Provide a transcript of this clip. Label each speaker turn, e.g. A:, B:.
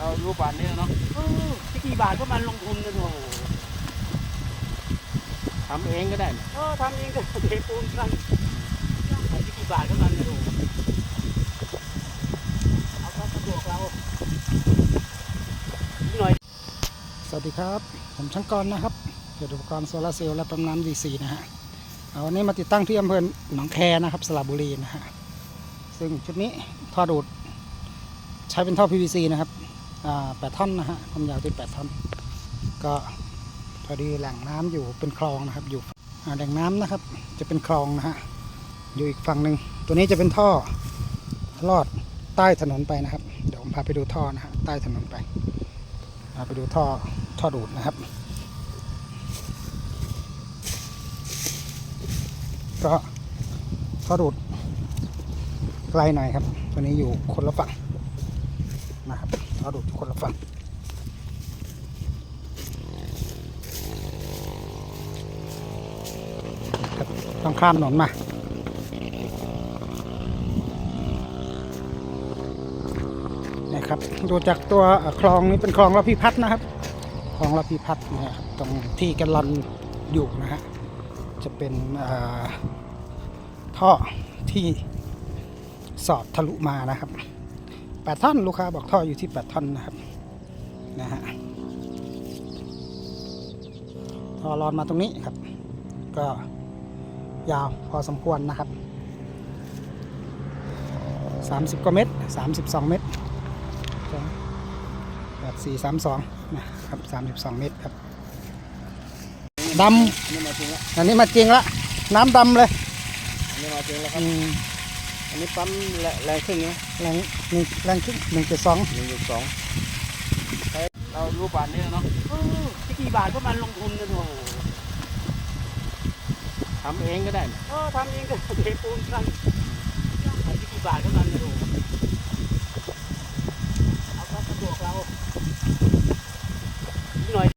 A: เรารู้ป่านนี้เนาะ
B: ที่กี่บาทก็มันลงทุนกันโอ้
A: ทำเองก็ได้
B: ทำเองก็เทปูนกันที่กี่บาทก็มันโอ้เอาความสะดวกเราหน่อย
C: สวัสดีครับผมช่างกรนะครับเกี่ยวกับอุปกรณ์โซลาร์เซลล์และปั๊มน้ำ DC นะฮะวันนี้มาติดตั้งที่อำเภอหนองแคนะครับสระบุรีนะฮะซึ่งชุดนี้ท่อดูดใช้เป็นท่อ PVC นะครับ8 ท่อนนะฮะความยาวที่8 ท่อนก็พอดีแหล่งน้ำอยู่เป็นคลองนะครับอยู่แหล่งน้ำนะครับจะเป็นคลองนะฮะอยู่อีกฝั่งหนึ่งตัวนี้จะเป็นท่อลอดใต้ถนนไปนะครับเดี๋ยวผมพาไปดูท่อนะฮะใต้ถนนไปดูท่อดูดนะครับก็ท่อดูดไกลหน่อยครับตัวนี้อยู่คนละฝั่งนะครับท่อดูดคนละฝั่งครับต้องข้ามถนนมานะครับดูจากตัวคลองนี้เป็นคลองระพีพัฒน์นะครับคลองระพีพัฒน์นะครับตรงที่แกลลอนอยู่นะฮะจะเป็นท่อที่สอดทะลุมานะครับ8 ท่อนลูกค้าบอกท่ออยู่ที่8 ท่อนนะครับนะฮะท่อรอนมาตรงนี้ครับก็ยาวพอสมควรนะครับ30 กว่าเมตร32 เมตร8432นะครับ32 เมตรครับดำอันนี้มาจริงละน้ำดำเลย
A: อันนี้มาจริงแล้วครับอันนี้ปั๊มแรงขึ้นนะ
C: แรงขึ้น1.2
A: เรารู้ป่านนี้เนาะ
B: ที่กี่บาทก็มันลงทุนกันโอ้
A: ทำเองก็ได้
B: ทำเองก็เทปูนกันที่กี่บาทก็มันโอ้